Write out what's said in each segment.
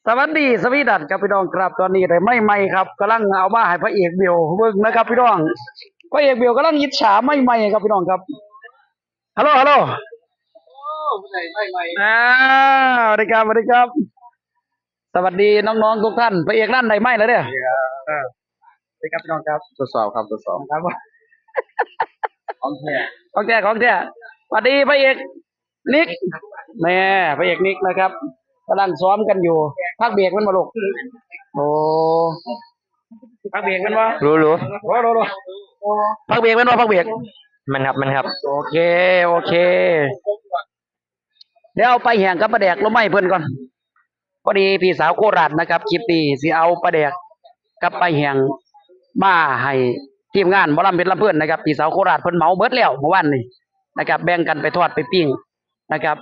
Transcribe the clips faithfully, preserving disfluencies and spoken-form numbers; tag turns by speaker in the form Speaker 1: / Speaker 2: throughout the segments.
Speaker 1: วัสดีสวีดันครับพี่น้องครับตอนนี้ได้ไม่ไม่ครับกำลังเอามาให้พระเอกเบียวเบิ่งนะครับพี่น้องพระเอกเบียวกำลังยิจฉาไม่ไม่ครับพี่น้องครับฮัลโหลฮัลโหลไม่ไม่ไม่อ่าสวัสดีครับสวัสดีครับสวัสดีน้องๆทุกท่านพระเอกนั่นได้ไม่แล้วเนี่ยสวัสดีครับพี่น้องครับทดสอบครับทดสอบครับของแท้ของแท้ของแท้สวัสดีพระเอกนิกแม่พระเอกนิกนะครับกำลังซ้อมกันอยู่พักเบรกมันมาลูกโอ้พักเบรกมันวะ
Speaker 2: รู้รู้
Speaker 1: โอ้รู้รู้พักเบรกมันวะพักเบรก
Speaker 2: มันครับมันครับ
Speaker 1: โอเคโอเคเดี๋ยวเอาไปแห่งกับปลาแดกลงไม่เพิ่นก่อนพอดีพี่สาวโคราชนะครับคลิปนี้สิเอาปลาแดกกับไปแห่งมาให้ทีมงานหมอลำเพชรลำเพื่อนนะครับพี่สาวโคราชเพิ่นเหมาเบิดแล้วเมื่อวานนี้นะครับแบ่งกันไปทอดไปปิ้งนะครับ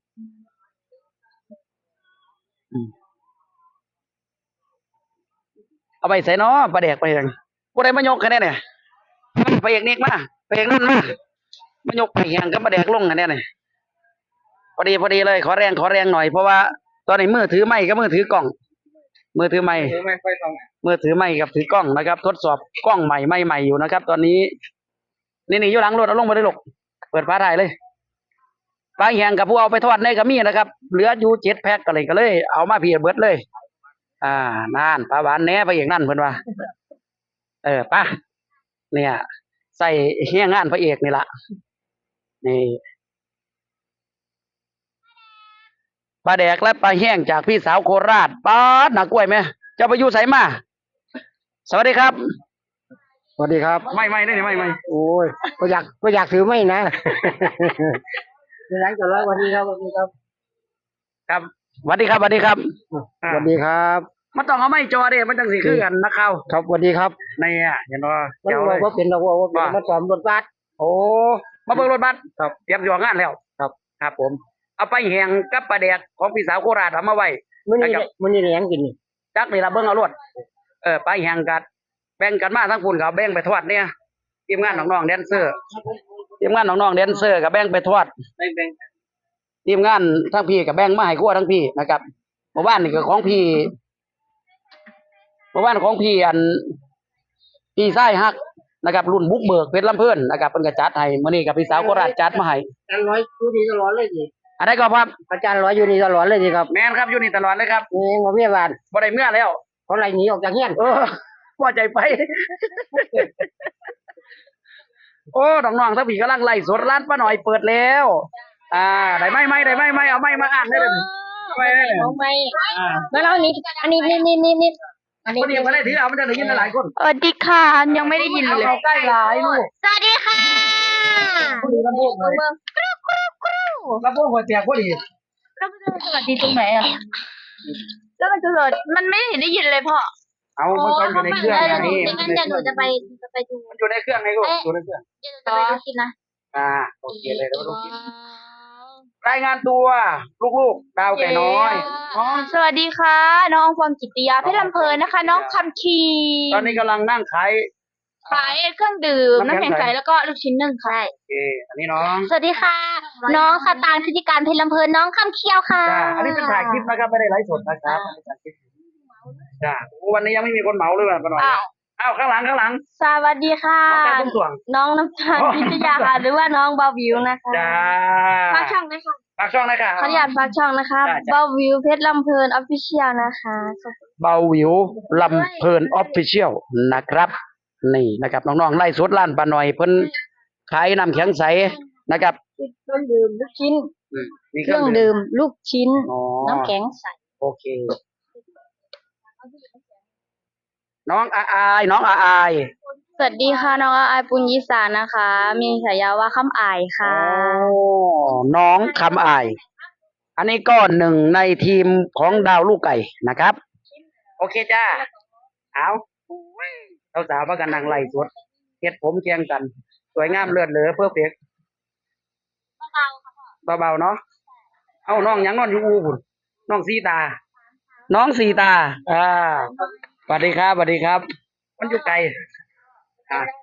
Speaker 1: เอาไปใส่เนาะปลาแดกไปยังผู้ใดมายกกันแน่เนี่ยไปเอกนิกมาไปเอกนั่นมามายกไปแห่งกับปลาแดกลงกันแน่เนี่ยพอดีพอดีเลยขอแรงขอแรงหน่อยเพราะว่าตอนนี้มือถือไม้กับมือถือกล้องมือถือไม้มือถือไม้กับถือกล้องนะครับ ทดสอบกล้องใหม่ใหม่ใหม่อยู่นะครับ ตอนนี้นี่นี่อยู่หลังรถเอาลงมาได้หรอกเปิดฟ้าถ่ายเลยปลาแห้งกับผู้เอาไปทอดในกระมี่นะครับเหลืออยู่เจ็ดแพ็คกันเลยก็เลยเอามาเพียเบิดเลย อ่านานปลาหวานแหน่ไปอย่างนั่นเพิ่นว่าเออปะเนี่ยใส่เฮี้ยงานพระเอกนี่ละนี่ปลาแดกและปลาแห้งจากพี่สาวโคราชปลาหนักกล้วยไหมเจ้าไปอยู่ไสมาสวัสดีครับ
Speaker 2: สวัสดีครับ
Speaker 1: ไม่ไม่ได้ไม่ไม่
Speaker 2: โอ้ยก็อยากก็อยากถือไม่นะเป็นไรกันแล้ววันนี้ครับวันนี้ครับ
Speaker 1: ครับสวัสดีครับสวัสดีครับ
Speaker 2: สวัสดีครับ
Speaker 1: มันต้องเอาไม่จอเด้มันจังสิคือกันนักข่าว
Speaker 2: ครับสวัสดีครับ
Speaker 1: นี่อ่ะเห็นบ่
Speaker 2: เจ้าเลยว่าเป็นเราว่าเป็นมาสอมรถบัส
Speaker 1: โอ้มาเบิ่งรถบัสครับเตรียมอยู่งานแล้ว
Speaker 2: ครับ
Speaker 1: ครับผมเอาไปแห้งกับปลาแดกของพี่สาวโคราชเอามาไว้
Speaker 2: มื้อนี้มื้อนี้แหงกิน
Speaker 1: จักนี่ล่ะเบิ่งเอารวดเออไปแห้งกันแบ่งกันมาทั้งพุ่นก็แบ่งไปทอดเนี่ยทีมงานน้องๆแดนเซอร์ทีมงานน้องๆแดนเซอร์ก็แบ่งไปทอดทีมงานทั้งพี่ก็แบ่งมาให้ครัวทั้งพี่นะครับเมื่อวานนี่ก็ของพี่เมื่อวานของพี่อันพี่ไส้ฮักนะครับรุ่นบุกเบิกเพชรลำเพิ่นนะครับเพิ่นก็จัดให้มื้อนี้กับพี่สาวโคราชจัดมาให้
Speaker 2: อาจารย์ร้อยอยู่นี่ตลอดเลยสิ
Speaker 1: อันใดก็ครับ
Speaker 2: อาจารย์ร้อยอยู่นี่ตลอดเลยสิครับ
Speaker 1: แม่นครับอยู่นี่ตลอดเลยครับ
Speaker 2: นี่บ่มีบ้าน
Speaker 1: บ่ได้เมื่อแล้ว
Speaker 2: เขาไล่หนีออกจากเฮียน
Speaker 1: เออพอใจไปโอ้น้องๆทั้งพี่กำลังไล่สดร้านป้าหน่อยเปิดแล้วอ่าได้ไหมไหมได้ไหมไหมเอาไหมมาอ่านได้เลย
Speaker 3: ไม่เอาไม่แล้วเรานี้อันนี้นี่นี่นี่นี่
Speaker 1: อันนี้เดียวกันได้ทีเรามันจะได้ยินหลายคน
Speaker 3: สวัสดีค่ะยังไม่ได้ยินเลย
Speaker 1: ใกล้หลายลูก
Speaker 3: สวัสดีค่ะ
Speaker 1: พอดีลำโพงเลยลำโพงหัวแตกพอดี
Speaker 3: แล้วมันจะสวัสดีตรงไหนอ่ะแล้วมันจะเกิดมันไม่เห็นได้ยินเลยพ่อ
Speaker 1: เอามันก็อยู่ในเครื่อง
Speaker 3: นี่งั้นเดี๋ยวหนูจะไปจะไปดู
Speaker 1: มันอยู่ในเครื่องไงลูกอยู่ในเครื่อง
Speaker 3: เดี๋ยวจะไปดูกินนะ
Speaker 1: อ่าโอเคเลยแล้วลูกรายงานตัวลูกๆดาวไก่น้อย
Speaker 3: สวัสดีค่ะน้องฟอมจิตติยาเพชรลำเพลินนะคะน้องคำคี
Speaker 1: ตอนนี้กำลังนั่งขาย
Speaker 3: ขายเครื่องดื่มน้ำแข็งใสแล้วก็ลูกชิ้นนึ่งค่ะ
Speaker 1: โอเคอันนี้น้อง
Speaker 3: สวัสดีค่ะน้องสตางค์พิธีการเพชรลำเพลินน้องคำเคี้ยวค่ะ
Speaker 1: อันนี้เป็นถ่ายคลิปนะครับไม่ได้ไลฟ์สดนะครับจ้าวันนี้ยังไม่มีคนเหมาเลยป่ะป้าหน่อยอ้าวข้างหลังข้างหลัง
Speaker 3: สวัสดีค่ะน้องน้ำตาลพิทยาค่ะหรือว่าน้องเบาวิวนะคะ
Speaker 1: จ้า
Speaker 3: ฝากช่องนะคะ
Speaker 1: ฝากช่องนะคะ
Speaker 3: ขออนุญาตฝากช่องนะคะเบาวิวเพชรลำเพลินออฟฟิเชียลนะคะ
Speaker 1: เบาวิวลำเพลินออฟฟิเชียลนะครับนี่นะครับน้องๆไล่สดร้านป้าหน่อยเพิ่นขายน้ำแข็งใสนะครับ
Speaker 3: เครื่องดื่มลูกชิ้นเครื่องดื่มลูกชิ้นน้ำแข็งใส
Speaker 1: โอเคน้องอาอายน้องอาอาย
Speaker 3: สวัสดีค่ะน้องอาอายปุญญิสานะคะมีฉายาว่าคำอายค่ะ
Speaker 1: โอ้น้องคำอายอันนี้ก็หนึ่งในทีมของดาวลูกไก่นะครับโอเคจ้าเอาเราสาวมากันนางไล่สดเฮ็ดผมแข่งกันสวยงามเลือดเหลือเพื่อเพ็กเบาๆเนาะเอาน้องยังนอนอยู่อูพุ่นน้องสีตาน้องสีตาอ่าสวัสดีครับสวัสดีครับมันอยู่ไกลอ่า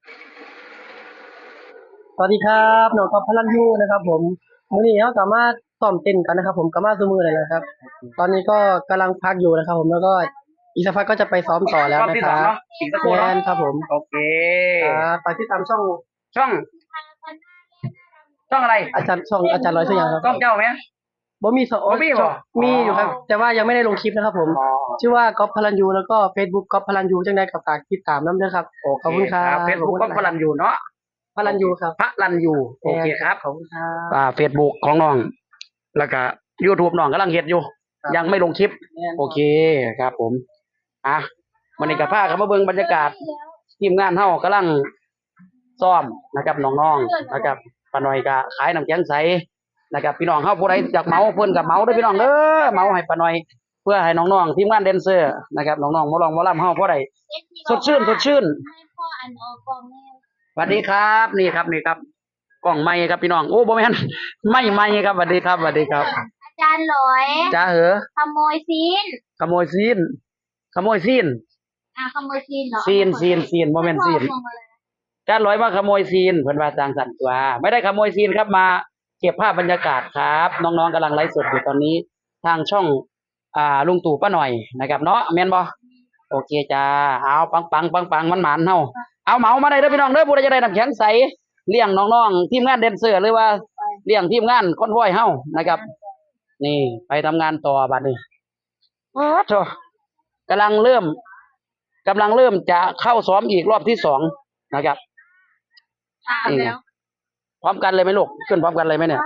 Speaker 2: สวัสดีครับน้องกับพลันยูนะครับผมมื้อนี้เขาสามารถซ้อมเต้นกันนะครับ ผมก็มาซุมือเลยนะครับ ตอนนี้ก็กำลังพักอยู่นะครับ ผมแล้วก็อีกสักพักก็จะไปซ้อมต่อแล้ว
Speaker 1: รอบ
Speaker 2: นะ
Speaker 1: ที่
Speaker 2: ค
Speaker 1: สอง
Speaker 2: รับ
Speaker 1: เนาะอีกสักครู่
Speaker 2: แม
Speaker 1: เนาะ
Speaker 2: นครับผม
Speaker 1: โอเค
Speaker 2: ครับไปที่ตามช่อง
Speaker 1: ช่อง ช่องอะไร
Speaker 2: อาจารย์ช่องอาจารย์ร้อยสักอย่างครับ
Speaker 1: ช่องเจ้าไหม
Speaker 2: บ่มีสอง
Speaker 1: บ่มีบ่
Speaker 2: ช่องมีอยู่ครับ แต่ว่ายังไม่ได้ลงคลิปนะครับ ผม
Speaker 1: อ๋อ
Speaker 2: ชื่อว่าก๊อฟพลันยูแล้วก็ Facebook ก๊อฟพลันยูจังได้กับฝากติดตามน้ำด้วยครับ
Speaker 1: โอเค
Speaker 2: ขอบคุณครับ
Speaker 1: เฟซบุ๊กก็พลันอยู่เนาะ
Speaker 2: พลันยูครับ
Speaker 1: พระลันอยู่โอเคครับ
Speaker 2: ขอบคุณครับ
Speaker 1: อ่าเฟซบุ๊กของน้อง แล้วก็ YouTube น้องกำลังเฮ็ดอยู่
Speaker 2: ครับ
Speaker 1: ยังไม่ลงคลิป
Speaker 2: แม่น
Speaker 1: โอเคครับผม อ่ะวันนี้กับพาเขามาเบิ่งบรรยากาศ ทีมงานเฮากำลังซ้อมนะครับน้องๆนะครับป้าน้อยก็ขายน้ำแข็งใสนะครับพี่น้องเฮาผู้ใดอยากเหมาเพิ่นก็เหมาเด้อพี่น้องเด้อเหมาให้ป้าน้อย เพื่อให้น้องๆทีมงานแดนเซอร์นะครับน้องๆหมอลองหมอลำเฮาผู้ใดสดชื่นสดชื่น
Speaker 3: ให้พ่ออันออกกองแม่
Speaker 1: สวัสดีครับนี่ครับนี่ครับกล้องไม้ครับพี่น้องโอ้บ่แม่นไม่ไม้ครับสวัสดีครับสวัสดีครับ
Speaker 3: อาจารย์ร้อย
Speaker 1: จ้าเหอ
Speaker 3: ขโมยซีน
Speaker 1: ขโมยซีนขโมยซีน
Speaker 3: อ่ะขโมยซีนเหรอ
Speaker 1: ซีนซีนซีนบ่แม่นซีน
Speaker 3: ให้พ่อเอามาเลย
Speaker 1: จ้าร้อยมาขโมยซีนเพิ่นว่าจางสันตัวไม่ได้ขโมยซีนครับมาเก็บภาพบรรยากาศครับ น้องๆกำลังไลฟ์สดอยู่ตอนนี้ ทางช่องอ่าลุงตู่ป้าหน่อยนะครับเนาะแม่นบ่โอเคจ้าเอาปังปังปังปังมันหมานเฮาเอาเหมามาได้เด้อพี่น้องเด้อผู้ใดจะได้น้ำแข็งใสเลี้ยงน้องๆทีมงานแดนเซอร์หรือว่าเลี้ยงทีมงานคอนวอยเฮานะครับ นี่ไปทำงานต่อบัดนี้โอ้โธ่กำลังเริ่มกำลังเริ่มจะเข้าซ้อมอีกรอบที่สองนะครับ
Speaker 3: อ่านแล้ว
Speaker 1: พร้อมกันเลยไหมลูกขึ้นพร้อมกันเลยไหมเนี่ย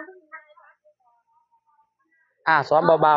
Speaker 1: อ่าซ้อมเบา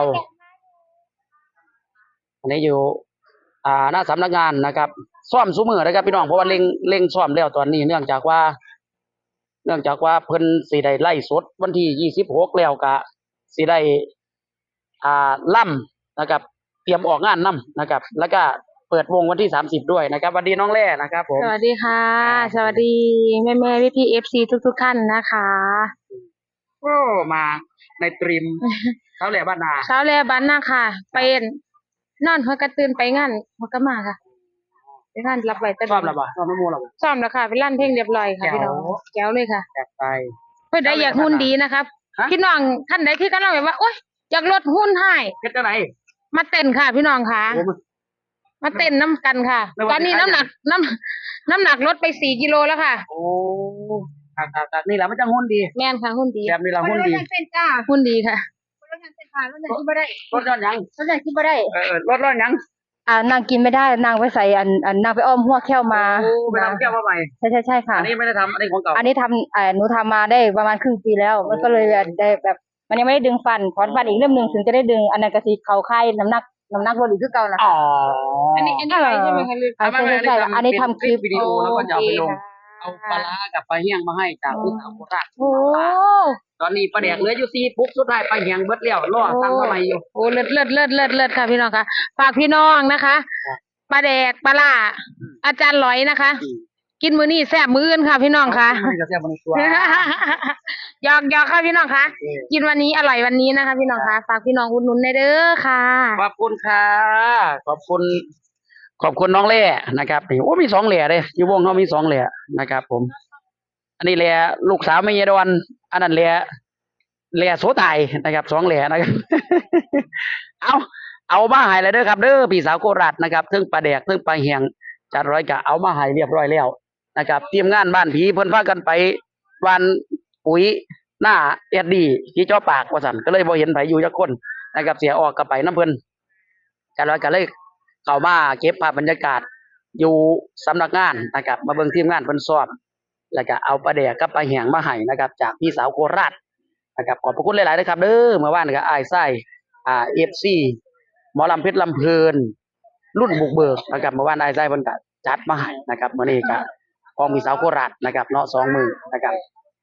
Speaker 1: ๆอันนี้อยู่ อ่าหน้าสำนักงานนะครับซ้อมซุมือนะครับพี่น้องเพราะว่าเร่งเร่งซ้อมแล้วตอนนี้เนื่องจากว่า เนื่องจากว่าเพิ่นสิได้ไล่สดวันที่ยี่สิบหกแล้วก็สิได้อ่าล่ำนะครับ เตรียมออกงานนํนะครับ แล้วก็เปิดวงวันที่สามสิบด้วยนะครับสวัสดีน้องแร่นะครับผม
Speaker 4: สวัสดีค่ะ สวัสดีแม่แม่พี่พีเอฟซีทุกทุกๆท่านนะคะ
Speaker 1: โอ้มาในตรีมเขาแหล่บ้านนา
Speaker 4: เช้าแลบันนะค่ะ เป็นนอนหัวกระตื่นไปงานหัวกระมาค่ะไปงานรับไว้แต่
Speaker 1: ชอบแล้วบ่ชอบน้ำมูแล้วบ่
Speaker 4: ซ้อมแล้วค่ะไปลั่นเพลงเรียบร้อยค่ะ
Speaker 1: แจ๋ว
Speaker 4: พี่น้องแก้วเลยค่ะ
Speaker 1: แอบไป
Speaker 4: เพื่อได้อยากหุ่นดีนะครับ
Speaker 1: ฮะ
Speaker 4: พี่น้องท่านใดคือกันเราแบบว่าโอ๊ยอยากลดหุ่นให้
Speaker 1: เฮ็ดจังได๋
Speaker 4: มาเต้นค่ะ พี่น้องค่ะ
Speaker 1: โอ้มัน
Speaker 4: มาเต้นน้ำกันค่ะ
Speaker 1: ไม่ว่า
Speaker 4: ตอนนี้
Speaker 1: จะ
Speaker 4: น้ำหนักน้ำน้ำหนักลดไปสี่กิโลแล้วค่ะ
Speaker 1: โอ้ครับๆๆนี่แหละมันจังหุ่นดี
Speaker 4: แม่นค่ะหุ่นดี
Speaker 1: แบบนี้ละหุ่นดี
Speaker 3: เป็นจ้า
Speaker 4: หุ่นดีค่ะ
Speaker 3: รถงานเป็นผ่านรถไหนที่ไม่ได้
Speaker 1: รถร้อนยัง
Speaker 3: รถไหนที่ไม่ได้
Speaker 1: เออรถร้อนยัง
Speaker 4: อ่านางกินไม่ได้นางไปใส่อันอันนางไปอ้อมหัวแค้วมา
Speaker 1: โอ้ไปทำแก้วมาใหม่
Speaker 4: ใช่ใช่ใช่ค่ะ
Speaker 1: อันนี้ไม่ได้ทำอันนี้ของเก่า
Speaker 4: อันนี้ทำเอ่อหนูทำมาได้ประมาณครึ่งปีแล้ว มันก็เลยได้แบบ มันยังไม่ได้ดึงฟันถอนฟันอีกเรื่องหนึ่งถึงจะได้ดึง อันนั้นกระสีเขาไข่น้ำหนักน้ำหนักลดอีกคือเก่านะ
Speaker 1: อ๋อ
Speaker 4: อันนี้อันนี้อะไรใช่ไหมคะลืม
Speaker 1: อ่า
Speaker 4: ใช่ใช่ใช่อันนี้ทำคลิป
Speaker 1: วิดีโอแล้วก็จะเอาไปลง
Speaker 4: โอ
Speaker 1: เอา
Speaker 4: เค
Speaker 1: ปลาร้ากับปลาเฮี้ยงมาให้จากพี่สาวโคราช
Speaker 4: โอ้
Speaker 1: ตอนนี้ปลาแดกเหลืออยู่สี่ปุ๊บสุดท้ายปลาเฮี้ยงเบิดแล้วรอสั่งมาใหม่อยู่
Speaker 4: โอ้เลิศเลิศเลิศเลิศเลิศค่ะพี่น้องค่ะฝากพี่น้องนะคะปลาแดกปลาล่าอาจารย์หลอยนะคะ
Speaker 1: อืม
Speaker 4: กินมื้อนี้แซ่บมื้ออื่นค่ะ พี่น้องค่ะ
Speaker 1: มันก็แซ่บมันตัว
Speaker 4: หยอกหยอกค่ะพี่น้องค่ะ กินวันนี้อร่อยวันนี้นะคะ พี่น้องค่ะฝากพี่น้องอุดหนุนได้เด้อค่ะ
Speaker 1: ขอบคุณค่ะขอบคุณ ขอบคุณน้องเล่นะครับนี่โอ้มีสองเหล่เลยอยู่วงเขามีสองเหล่นะครับ ผม อันนี้เหล่ลูกสาวไม่ยดอนอันนั้นเหล่เหล่โสไทยนะครับสองเหล่นะครับ เอาเอามาให้เลยเด้อครับเด้อพี่สาวโคราชนะครับเทิงปลาแดกเทิงปลาเหียงจัดร้อยกะเอามาให้เรียบร้อยแล้วนะครับทีมงานบ้านผีเพิ่นพากันไปวันปุ๋ยหน้าเอ็ดดีที่จ่อปากว่าซั่นก็เลยบ่เห็นไผอยู่จักคนนะครับ เสียออกก็ไปน้ำเพิ่นจัดร้อยก็เลยเข้ามาเก็บภาพบรรยากาศอยู่สำนักงานนะครับ มาเบิ่งทีมงานเพิ่นซ้อมแล้วก็เอาปลาแดกกับปลาเหียงมาให้นะครับ จากพี่สาวโคราชนะครับขอบพระคุณหลายๆนะครับเด้อเมื่อวานก็อ้ายไส้อ่า เอฟ ซี หมอลำเพชรลำเพลินรุ่นบุกเบิกนะครับเมื่อวานนายไส้เพิ่นก็จัดมาให้นะครับมื้อนี้ก็ของมีสาวโคราชนะครับเนาะสองมือนะครับ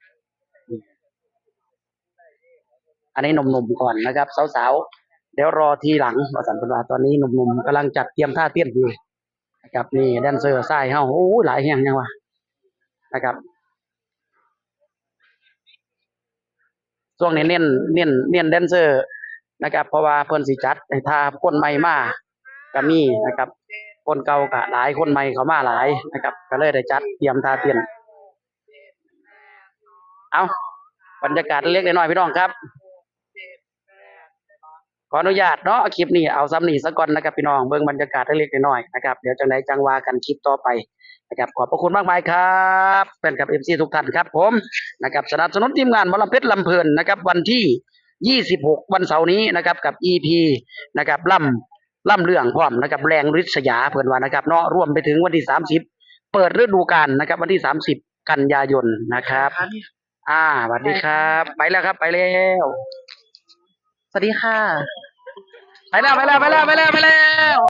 Speaker 1: อันนี้หนุ่มๆก่อนนะครับสาวๆเดี๋ยวรอทีหลังว่าสันเพิ่นว่าตอนนี้หนุ่มๆกำลังจัดเตรียมท่าเต้นอยู่นะครับนี่แดนเซอร์ทรายเฮาโอ้หลายแห่งยังวะนะครับช่วงนี้เน้นเน้นเน้นแดนเซอร์นะครับเพราะว่าเพิ่นสิจัดให้ท่าคนใหม่มาก็มีนะครับ คนเก่าก็หลายคนใหม่เขามาหลายนะครับ ก็เลยได้จัดเตรียมท่าเต้นเอาบรรยากาศเล็กๆน้อยๆพี่น้องครับขออนุญาตเนาะคลิปนี้เอาซ้ำนี่ซะก่อนนะครับพี่น้องเบิ่งบรรยากาศเล็กๆน้อยๆนะครับเดี๋ยวจังไดจังว่ากันคลิปต่อไปนะครับขอบพระคุณมากมายครับแฟนคลับ เอฟ ซี ทุกท่านครับผมนะครับสนับสนุนทีมงานหมอลำเพชรลำเพลินนะครับวันที่ยี่สิบหกวันเสาร์นี้นะครับกับ อี พี นะครับล่ำล่ำเรื่องพร้อมนะครับแรงฤทธิ์สยาเพิ่นว่านะครับเนาะรวมไปถึงวันที่สามสิบเปิดฤดูกาลนะครับวันที่สามสิบกันยายนนะครับอ่าสวัสดีครับไปแล้วครับไปแล้ว
Speaker 2: สวัสดีค่ะ
Speaker 1: ไปแล้วไปแล้วไปแล้วไปแล้วไปแล้ว